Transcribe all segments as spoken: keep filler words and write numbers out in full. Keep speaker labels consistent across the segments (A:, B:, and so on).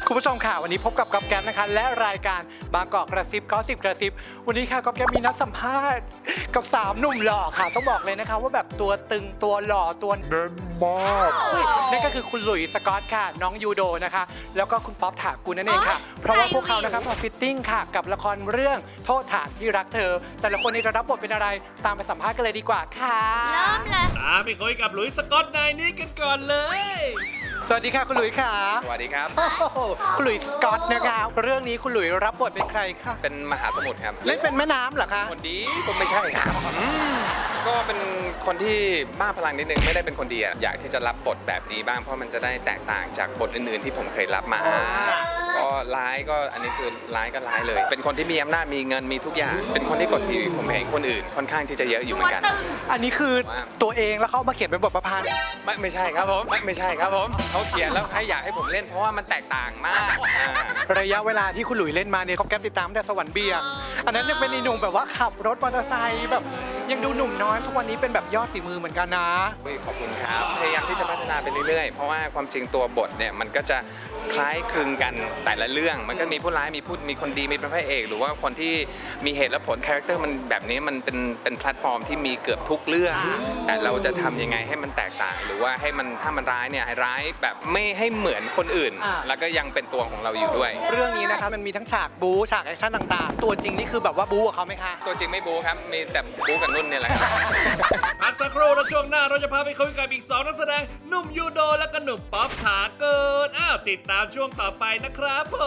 A: คุณผู้ชมค่ะวันนี้พบกับก๊อฟแก๊ปนะคะและรายการบางกอกกระซิบก็สิบกระซิบวันนี้ค่ะก๊อฟแก๊ปมีนัดสัมภาษณ์กับสามหนุ่มหล่อค่ะต้องบอกเลยนะคะว่าแบบตัวตึงตัวหล่อตัวแน่นมากนั่นก็คือคุณหลุยส์สกอตค่ะน้องยูโดนะคะแล้วก็คุณป๊อปถากูลนั่นเองค่ะเพราะว่าพวกเขานะคะมาฟิตติ้งค่ะกับละครเรื่องโทษฐานที่รักเธอแต่ละคนนี้จะรับบทเป็นอะไรตามไปสัมภาษณ์กันเลยดีกว่าค่ะ
B: เริ่มเลย
C: ตามไปคุยกับหลุยส์สกอตนายนี้กันก่อนเลย
A: สวัสดีค่ะคุณหลุยส์ค่ะ
D: สวัสดีครับ
A: โอ้โหคุณหลุยส์สกอตนะคะเรื่องนี้คุณหลุยส์รับบทเป็นใครคะ
D: เป็นมหาสมุทรครับ
A: เล่นเป็นแม่น้ำเหรอคะ
D: คนดีก็ไม่ใช่ครับก็เป็นคนที่บ้าพลังนิดนึงไม่ได้เป็นคนดีอะอยากที่จะรับบทแบบนี้บ้างเพราะมันจะได้แตกต่างจากบทอื่นๆที่ผมเคยรับมาก็ร้ายก็อันนี้คือร้ายก็ร้ายเลย เป็นคนที่มีอำนาจมีเงินมีทุกอย่าง เป็นคนที่กดขี่ผมเห็นคนอื่น ค่อนข้างที่จะเยอะอยู่เหมือนกัน
A: อันนี้คือตัวเองแล้วเขาเอามาเขียนเป็นบทประพันธ์
D: ไม่ไม่ใช่ครับผมไม่ไม่ใช่ครับผมเขาเขียนแล้วให้อยากให้ผมเล่นเพราะว่ามันแตกต่างมากอ่า
A: ระยะเวลาที่คุณหลุยเล่นมาเนี่ยเขาแก๊ปติดตามตั้งแต่สวรรค์เบี่ยงอันนั้นยังเป็นอีหนุ่มแบบว่าขับรถมอเตอร์ไซค์แบบยังดูหนุ่มน้อยทุกวันนี้เป็นแบบยอดฝีมือเหมือนกันนะ
D: เฮ้ยขอบคุณครับพยายามที่จะพัฒนาไปเรื่อยๆ เพราะว่าความจริงตัวบทเนี่ยมันก็จะคล้ายคลึงกันแต่ละเรื่องมันก็มีผู้ร้ายมีผู้มีคนดีมีพระเอกหรือว่าคนที่มีเหตุและผลคาแรคเตอร์มันแบบนี้มันเป็นเป็นแพลตฟอร์มที่มีเกือบทุกเรื่อง แต่เราจะทำยังไงให้มันแตกต่าง หรือว่าให้มันถ้ามันร้ายเนี่ยให้ร้ายแบบไม่ให้เหมือนคนอื่น
A: อ่า
D: แล้วก็ยังเป็นตัวของเราอยู่ด้วย
A: เรื่องนี้นะคะมันมีทั้งฉากบู๊ฉากแอคชั่นต่างๆ ตัวจริงนี่คือแบบว่าบู๊กับเขาไหมคะ
D: ตัวจริงไม่บูครับมีแต่บูกับนุ่นเนี่ยแหละครับ
C: พักสักครู่แล้วช่วงหน้าเราจะพาไปคุยกับอีกสองนักแสดงหนุ่มยูโดและก็หนุ่มป๊อปขาเกินอ้าวติดตามช่วงต่อไปนะครับผม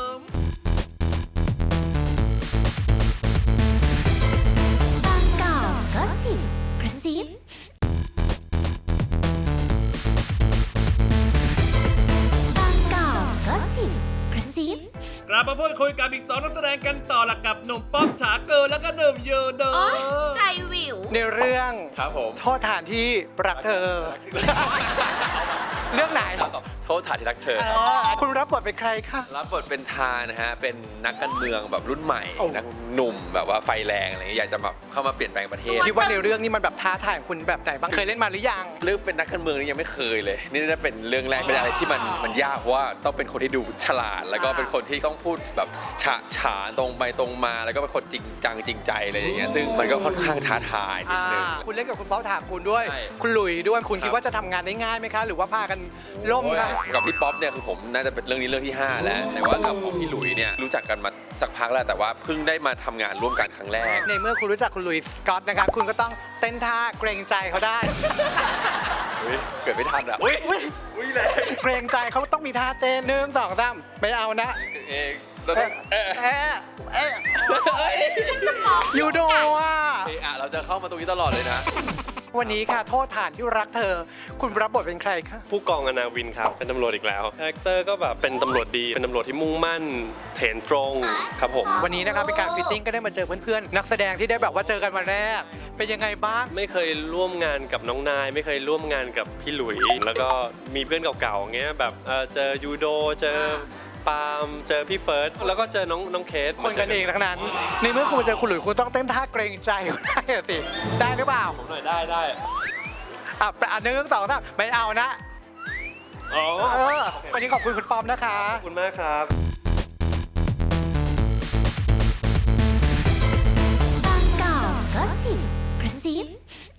B: บางกอกก็สิบกระซิบางกอกก็สิบกระซิบ
C: กลับมาพูดคุยกับอีกสองนักแสดงกันต่อละกับหนุ่มป๊อปขาเกินและก็หนุ่มยูโด
B: โอ๊ยใจวิว
A: ในเรื่อง
D: ครับผม
A: โทษฐานที่รักเธอ เรื่องไหน
E: โทษฐานที่รักเธอ
A: เออคุณรับบทเป็นใครคะ
E: รับบทเป็นทานะฮะ เป็นนักการเมืองแบบรุ่นใหม่
A: โอ้
E: นักหนุ่มแบบว่าไฟแรงอะไรเงี้ยอยากจะแบบเข้ามาเปลี่ยนแปลงประเทศ
A: คิดว่าในเรื่องนี้มันแบบท้าทายของคุณแบบไหนบ้างเคยเล่นมาหรือยัง
E: เรื่องเป็นนักการเมืองนี่ยังไม่เคยเลย นี่น่าจะเป็นเรื่องแรกเป็นอะไรที่มันมันยากเพราะว่าต้องเป็นคนที่ดูฉลาด แล้วก็เป็นคนที่ต้องพูดแบบฉะฉานตรงไปตรงมา แล้วก็เป็นคนจริงจังจริงใจอะไรอย่างเงี้ยซึ่งมันก็ค่อนข้างท้าทายนิดนึง
A: อ่าคุณเล่นกับคุณป๊อปถากูลด้วย
E: ใช่
A: คุณหลุยด้วยคุณ
E: ครับ
A: คิดว่าจะทำงานได้ง่ายไหมคะ หรือว่าพากันล่มคะ
E: กับพี่ป๊อปเนี่ยคือผมน่าจะเป็นเรื่องนี้เรื่องที่ห้าแล้วแต่ว่ากับผมพี่หลุยเนี่ยรู้จักกันมาสักพักแล้วแต่ว่าเพิ่งได้มาทำงานร่วมกันครั้งแรก
A: ในเมื่อคุณรู้จักคุณหลุยส์สกอตนะคะคุณก็ต้องเต้นท่าเกรงใจเขาได้
E: อุ๊ยเกิดไม่ทันอ่ะอุ้ยอุ้ยแรง
A: เกรงใจเขาต้องมีท่าเต้นหนึ่งสองสามไม่เอานะ
E: เองเราต้องเออ
A: เอ๊ะเอ๊ะ
B: ฉันจะมอง
A: ยูโดอ่ะ
E: เอออะเราจะเข้ามาตรงนี้ตลอดเลยนะ
A: วันนี้ค่ะโทษฐานที่รักเธอ คุณรับบทเป็นใครคะ
F: ผู้กองอนาวินครับ เป็นตำรวจอีกแล้วคาแรคเตอร์ก็แบบเป็นตำรวจดี เป็นตำรวจที่มุ่งมั่นเถนตรงครับผม
A: วันนี้นะคะเป็นการฟิตติ้งก็ได้มาเจอเพื่อนๆนักแสดงที่ได้แบบว่าเจอกันมาแรก เป็นยังไงบ้าง
F: ไม่เคยร่วมงานกับน้องนาย ไม่เคยร่วมงานกับพี่หลุย แล้วก็มีเพื่อนเก่าๆเงี้ยแบบเอ่อเจอยูโด เจอปาล์มเจอพี่เฟิร์ส แล้วก็เจอน้องน้องเคส
A: คนกันเองทั้งนั้น ในเมื่อคุณมาเจอคุณหลุยส์คุณต้องเต้นท่าเกรงใจเขาได้อะสิ ได้หรือเปล่า
F: ผมหน่อยได้ได้
A: อ่ะอันหนึ่งสองสามไม่เอานะ
F: อ๋อ
A: เออวันนี้ขอบคุณคุณปอมนะคะ
F: ขอบคุณมากครับ
B: บางกอกก็สิบกระซิบ